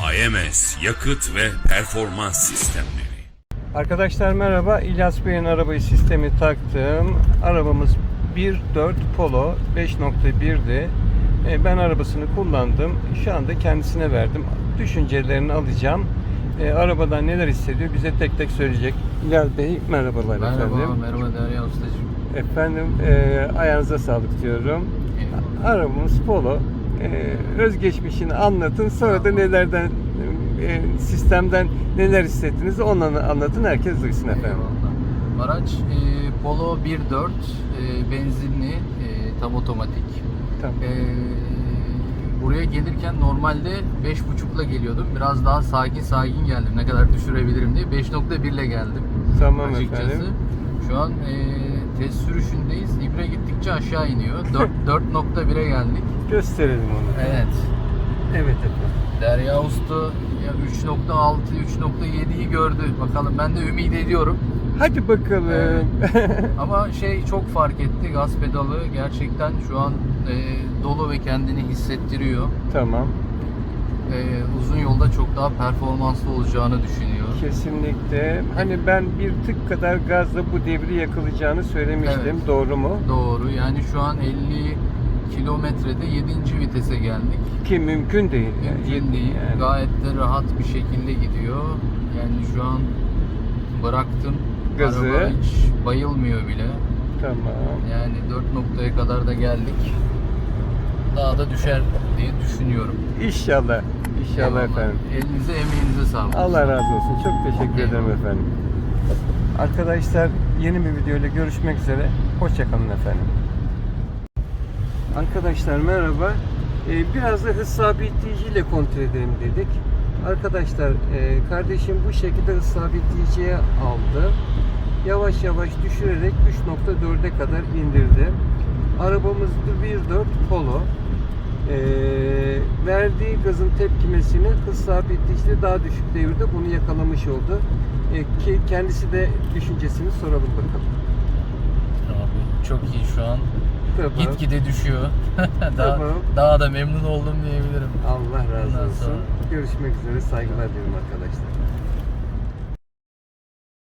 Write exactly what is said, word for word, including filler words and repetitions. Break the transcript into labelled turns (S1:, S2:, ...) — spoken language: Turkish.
S1: A M S Yakıt ve Performans Sistemleri.
S2: Arkadaşlar merhaba. İlyas Bey'in arabayı sistemi taktım. Arabamız bir dört Polo beş nokta bir'di. E, ben arabasını kullandım. Şu anda kendisine verdim. Düşüncelerini alacağım. E, arabadan neler hissediyor bize tek tek söyleyecek. İlyas Bey merhabalar
S3: Merhaba,
S2: efendim.
S3: merhaba Derya Ustacığım.
S2: Efendim e, ayağınıza sağlık diyorum.
S3: Eyvallah.
S2: Arabamız Polo. E, özgeçmişini anlatın. Sonra da nelerden e, sistemden neler hissettiniz onları anlatın. Herkes duysun efendim.
S3: Eyvallah. Araç e, Polo bir dört e, benzinli, e, tam otomatik.
S2: Tamam.
S3: E, buraya gelirken normalde beş buçukla geliyordum. Biraz daha sakin sakin geldim. Ne kadar düşürebilirim diye. beş nokta bir ile geldim.
S2: Tamam
S3: açıkçası.
S2: efendim.
S3: Şu an e, test sürüşündeyiz. İbre gittikçe aşağı iniyor. dört nokta bir'e geldik.
S2: Gösterelim onu.
S3: Evet.
S2: Evet efendim.
S3: Derya Usta ya üç nokta altı, üç nokta yedi'yi gördü. Bakalım ben de ümit ediyorum.
S2: Hadi bakalım.
S3: Evet. Ama şey çok fark etti. Gaz pedalı gerçekten şu an e, dolu ve kendini hissettiriyor.
S2: Tamam.
S3: E, uzun yolda çok daha performanslı olacağını düşünüyor.
S2: Kesinlikle. Hani ben bir tık kadar gazla bu devri yakalayacağını söylemiştim.
S3: Evet.
S2: Doğru mu?
S3: Doğru. Yani şu an elli kilometrede yedinci vitese geldik.
S2: Ki mümkün değil.
S3: Mümkün değil.
S2: Yani.
S3: Gayet de rahat bir şekilde gidiyor. Yani şu an bıraktım.
S2: Gazı.
S3: Araba hiç bayılmıyor bile.
S2: Tamam.
S3: Yani dört noktaya kadar da geldik. Daha da düşer diye düşünüyorum.
S2: İnşallah. İnşallah
S3: Eyvallah.
S2: efendim.
S3: Elinize emeğinize sağlık.
S2: Allah razı olsun. Çok teşekkür ederim
S3: Eyvallah.
S2: efendim. Arkadaşlar yeni bir video ile görüşmek üzere. Hoşçakalın efendim. Arkadaşlar merhaba. Ee, biraz da hız sabitleyiciyle kontrol edelim dedik. Arkadaşlar e, kardeşim bu şekilde hız sabitleyiciye aldı. Yavaş yavaş düşürerek üç nokta dört'e kadar indirdi. Arabamız bir dört Polo. Ee, verdiği gazın tepkimesini hız sabitleyicide daha düşük devirde bunu yakalamış oldu. Ee, ki kendisi de düşüncesini soralım bakalım.
S3: Abi çok iyi şu an.
S2: Tamam.
S3: Gitgide düşüyor. daha,
S2: Tamam.
S3: daha da memnun oldum diyebilirim.
S2: Allah razı
S3: Ondan
S2: olsun.
S3: sonra-
S2: Görüşmek üzere. Saygılar dilerim arkadaşlar.